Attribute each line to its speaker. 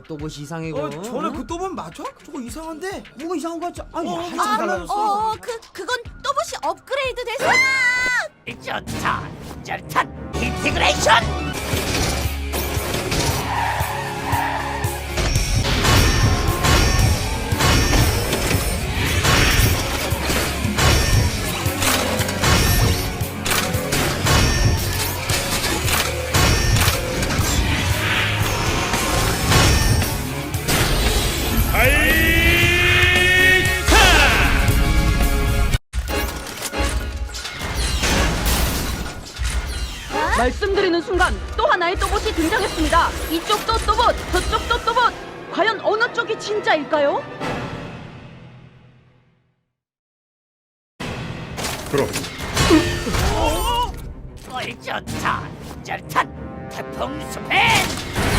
Speaker 1: 또봇이 이상해고.
Speaker 2: 전에 그 또봇 맞아? 저거 이상한데?
Speaker 1: 뭐가 이상한 거 같지? 아니 한참
Speaker 2: 아,
Speaker 1: 달라졌어.
Speaker 3: 그건 또봇이 업그레이드 돼서.
Speaker 4: 좋다. 짤탄 인티그레이션.
Speaker 5: 말씀드리는 순간 또 하나의 또봇이 등장했습니다. 이쪽도 또봇, 저쪽도 또봇. 과연 어느 쪽이 진짜일까요?
Speaker 6: 그럼
Speaker 4: 좋다. 짤탄 태풍 스팬.